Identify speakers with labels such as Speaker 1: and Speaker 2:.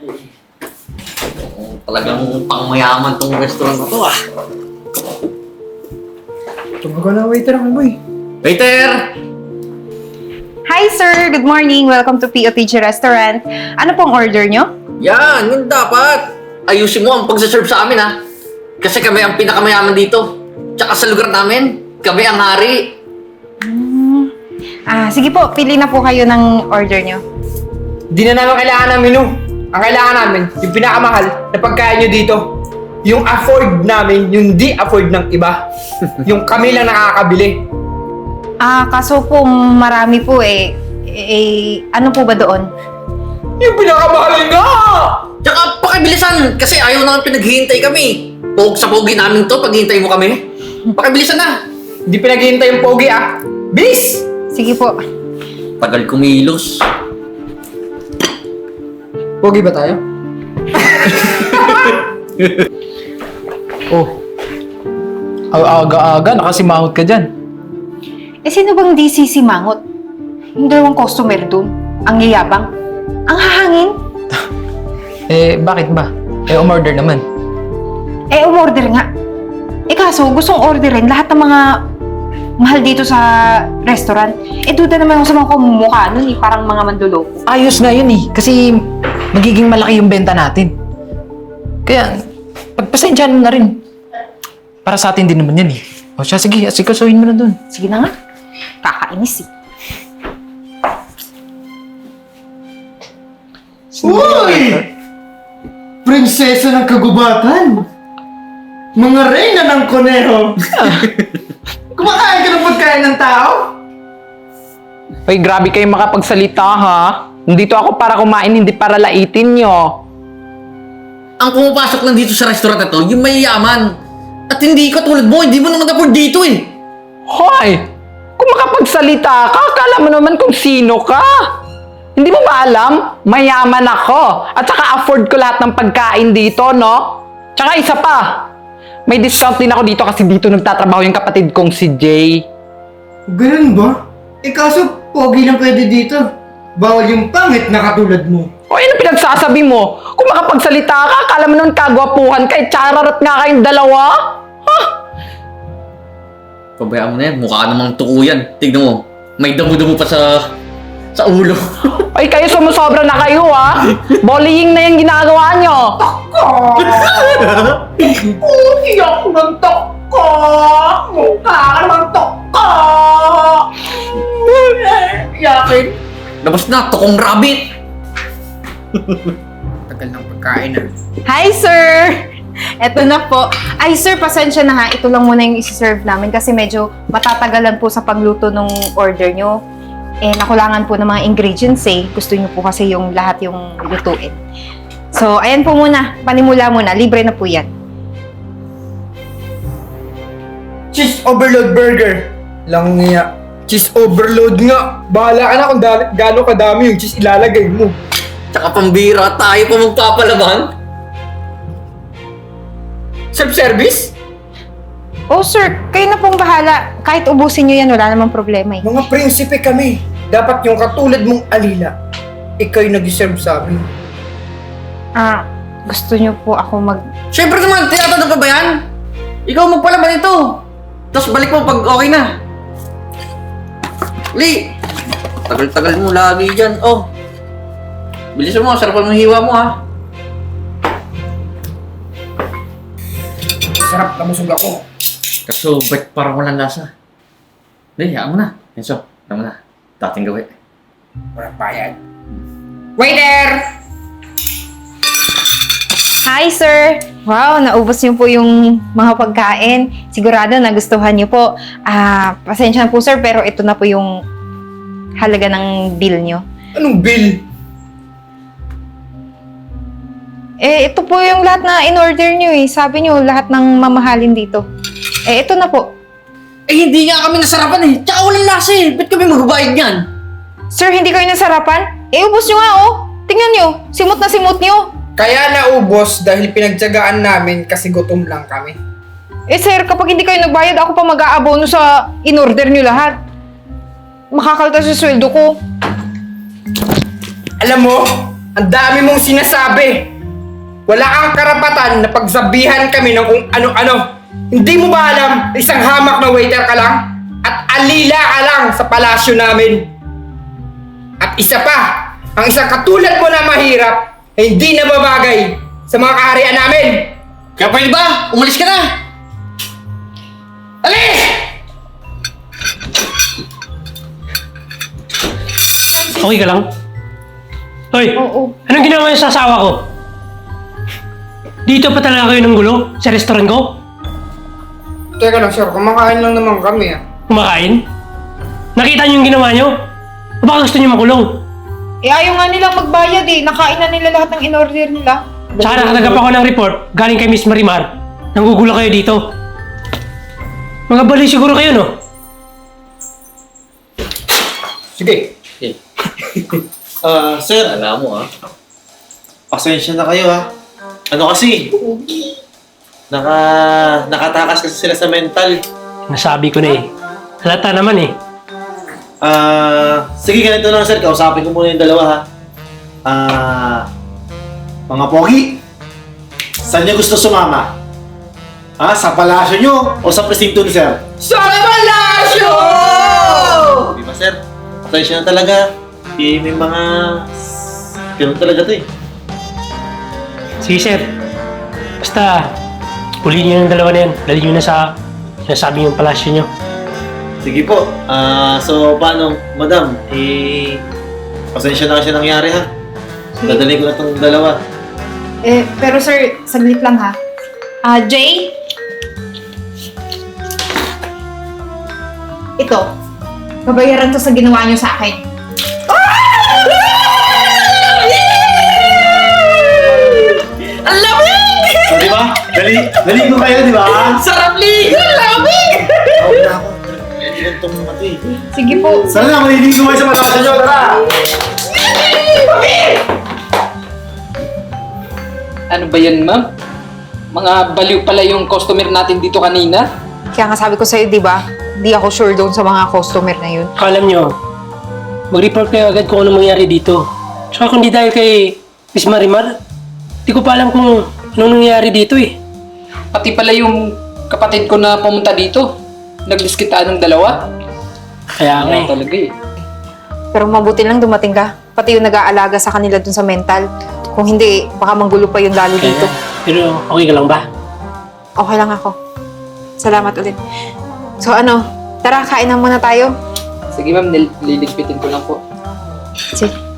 Speaker 1: Talagang pangmayaman tong restaurant na to ah.
Speaker 2: Tumagal na waiter ako boy.
Speaker 1: Waiter!
Speaker 3: Hi sir! Good morning! Welcome to POTG Restaurant. Ano pong order nyo?
Speaker 1: Yan, yun dapat. Ayusin mo ang pagsaserve sa amin ha. Kasi kami ang pinakamayaman dito. Tsaka sa lugar namin, kami ang hari.
Speaker 3: Sige po, pili na po kayo ng order nyo.
Speaker 2: Di na namin kailangan ng menu. Ang kailangan namin, yung pinakamahal na pagkain nyo dito. Yung afford namin, yung di afford ng iba. Yung kami lang nakakabili.
Speaker 3: Kaso po marami po ano po ba doon?
Speaker 2: Yung pinakamahal nga!
Speaker 1: Tsaka pakibilisan kasi ayaw naman pinaghihintay kami. Sa pogi namin to, paghihintay mo kami. Pakibilisan na.
Speaker 2: Di pinaghihintay yung pogi ah. Bilis!
Speaker 3: Sige po.
Speaker 1: Tagal kumilos.
Speaker 2: Pogi ba tayo?
Speaker 4: Oh. Aga-aga, nakasimangot ka dyan.
Speaker 3: Sino bang di sisimangot? Yung dalawang customer doon. Ang yayabang. Ang hahangin.
Speaker 4: Bakit ba? Umorder naman.
Speaker 3: Umorder nga. Kaso gustong orderin lahat ng mga mahal dito sa restaurant. Duda naman ako sa mga kumumukha nun parang mga manduloko.
Speaker 4: Ayos na yun kasi magiging malaki yung benta natin. Kaya, pagpasensyahan mo na rin. Para sa atin din naman yan O siya, sige, asikasuhin mo na dun.
Speaker 3: Sige na nga. Kakainis
Speaker 5: Uy! Prinsesa ng kagubatan! Mga reyna ng koneho! Kumakain ka ng pagkain ng tao?
Speaker 4: Uy, grabe kayo makapagsalita ha. Nandito ako para kumain, hindi para laitin nyo.
Speaker 1: Ang pumapasok lang dito sa restaurant na to, yung mayayaman. At hindi ka tulad mo, hindi mo naman afford dito
Speaker 4: Hoy! Kung makapagsalita ka, akala mo naman kung sino ka. Hindi mo ba alam? Mayaman ako. At saka afford ko lahat ng pagkain dito, no? Tsaka isa pa. May discount din ako dito kasi dito nagtatrabaho yung kapatid kong si Jay.
Speaker 5: Ganun ba? Kaso, pogi lang pwede dito. Bawal yung pangit na katulad mo.
Speaker 4: O ano pinagsasabi mo? Kung makapagsalita ka, akala mo nun kagwapuhan ka, chararot nga kayong dalawa? Ha?
Speaker 1: Pabayaan mo na yan, mukha namang tuko yan. Tignan mo, may damo-damo pa sa ulo.
Speaker 4: Ay, kayo sumusobra na kayo, ha? Bullying na yung ginagawa nyo.
Speaker 2: Iyak ng toko! Mukha ka naman toko! Iyakin!
Speaker 1: Labas na, tukong rabbit!
Speaker 2: Tagal ng pagkain ah.
Speaker 3: Hi, sir! Eto na po. Ay, sir, pasensya na ha. Ito lang muna yung isi-serve namin kasi medyo matatagalan po sa pagluto ng order nyo. Nakulangan po ng mga ingredients Gusto nyo po kasi yung lahat yung lutuin. So, ayan po muna. Panimula muna. Libre na po yan.
Speaker 5: Cheese overload burger.
Speaker 2: Lang niya. Cheese overload nga. Bahala ka na kung gano'ng kadami yung cheese ilalagay mo.
Speaker 1: Tsaka pambira, tayo pa magpapalaban.
Speaker 2: Self-service?
Speaker 3: Oh, sir. Kayo na pong bahala. Kahit ubusin nyo yan, wala namang problema
Speaker 5: Mga prinsipe kami. Dapat yung katulad mong alila. Ikaw yung nag-serve sa amin.
Speaker 3: Gusto nyo po ako
Speaker 1: Siyempre naman, tinatanong ka ba yan? Ikaw magpalaban ito. Tapos balik mo pag okay na. Li! Tagal-tagal mo lagi dyan. Oh. Bilisan mo, sarapan mo yung hiwa mo ha.
Speaker 5: Sarap na busog ako.
Speaker 1: Kaso, ba't parang walang lasa? Hindi, hayaan mo na. Enzo, hayaan mo na. Dating gawin.
Speaker 5: Walang bayad.
Speaker 2: Waiter!
Speaker 3: Hi, sir! Wow, naubos niyo po yung mga pagkain. Sigurado nagustuhan niyo po. Pasensya na po, sir, pero ito na po yung halaga ng bill niyo.
Speaker 5: Anong bill?
Speaker 3: Ito po yung lahat na in-order niyo Sabi niyo, lahat ng mamahalin dito. Ito na po.
Speaker 1: Hindi nga kami nasarapan Tsaka walang lasa Ba't kami magbabayad niyan?
Speaker 3: Sir, hindi kayo nasarapan? Ubos niyo nga, Tingnan niyo, simot na simot niyo.
Speaker 2: Kaya naubos dahil pinagtyagaan namin kasi gutom lang kami.
Speaker 3: Sir, kapag hindi kayo nagbayad, ako pa mag-aabono sa in-order niyo lahat. Makakaltas sa sweldo ko.
Speaker 2: Alam mo, Ang dami mong sinasabi. Wala kang karapatan na pagsabihan kami ng kung ano-ano. Hindi mo ba alam, isang hamak na waiter ka lang? At alila ka lang sa palasyo namin. At isa pa, ang isang katulad mo na mahirap ay hindi nababagay sa mga kaharian namin.
Speaker 1: Kaya pwede ba? Umalis ka na! Alis!
Speaker 6: Okay ka lang? Hoy,
Speaker 3: Oo.
Speaker 6: anong ginawa niyo sa asawa ko? Dito pa talaga kayo ng gulo? Sa restaurant ko?
Speaker 2: Teka lang sir, kumakain lang naman kami ah.
Speaker 6: Kumakain? Nakita niyo yung ginawa niyo? O baka gusto niyo makulong?
Speaker 3: Eh, ayaw nga nilang magbayad eh. Nakain na nila lahat ng in-order nila.
Speaker 6: Tsaka nakatanggap ako ng report galing kay Miss Marimar. Nanggugulo kayo dito. Mga bali siguro kayo, no?
Speaker 2: Sige.
Speaker 1: Eh,
Speaker 5: Sir,
Speaker 1: alam mo
Speaker 5: pasensya na kayo ha. Ano kasi? Nakatakas kasi sila sa mental.
Speaker 6: Nasabi ko na eh. Halata naman eh.
Speaker 5: Sige, ganito lang sir. Kausapin ko muna yung dalawa ha. Mga pogi, saan niyo gusto sumama? Sa palasyo niyo o sa presinto ni sir?
Speaker 2: Sa palasyo!
Speaker 5: Di ba sir? Pasensya na talaga. May mga... Ganun talaga to eh.
Speaker 6: Sige, sir. Basta, ulihin niyo yung dalawa na yan. Dali niyo na sa sinasabi yung palasyo niyo.
Speaker 5: Sige po. So, paano, madam? Pasensya na kasi nangyari ha. Dadalhin ko na itong dalawa.
Speaker 3: Eh, pero sir, saglit lang ha. Jay? Ito. Babayaran to sa ginawa niyo sa akin.
Speaker 2: Ang lamig!
Speaker 5: So, di ba? Dali ko kayo, di ba?
Speaker 2: Sarap ligan! Lamig!
Speaker 5: Tawag na ako. Ilan tong mga to eh.
Speaker 3: Sige po.
Speaker 5: Sana na, maliligo kayo sa palasyo niyo. Tara!
Speaker 7: Ano ba yan, ma'am? Mga baliw pala yung customer natin dito kanina.
Speaker 3: Kaya nga sabi ko sa'yo, di ba? Di ako sure doon sa mga customer na yun.
Speaker 6: Alam niyo, mag-report kayo agad kung ano mangyari dito. Tsaka kung di dahil kay Miss Marimar, di ko pa alam kung anong nangyari dito eh.
Speaker 7: Pati pala yung kapatid ko na pumunta dito. Nagdiskitaan ng dalawa.
Speaker 6: Kaya nga eh.
Speaker 7: Talaga eh.
Speaker 3: Pero mabuti lang dumating ka. Pati yung nag-aalaga sa kanila dun sa mental. Kung hindi, baka manggulo pa yung lalo dito.
Speaker 6: Pero okay ka lang ba?
Speaker 3: Okay lang ako. Salamat ulit. So ano, tara, kain na muna tayo.
Speaker 7: Sige ma'am, liligpitin ko lang po.
Speaker 3: Sige.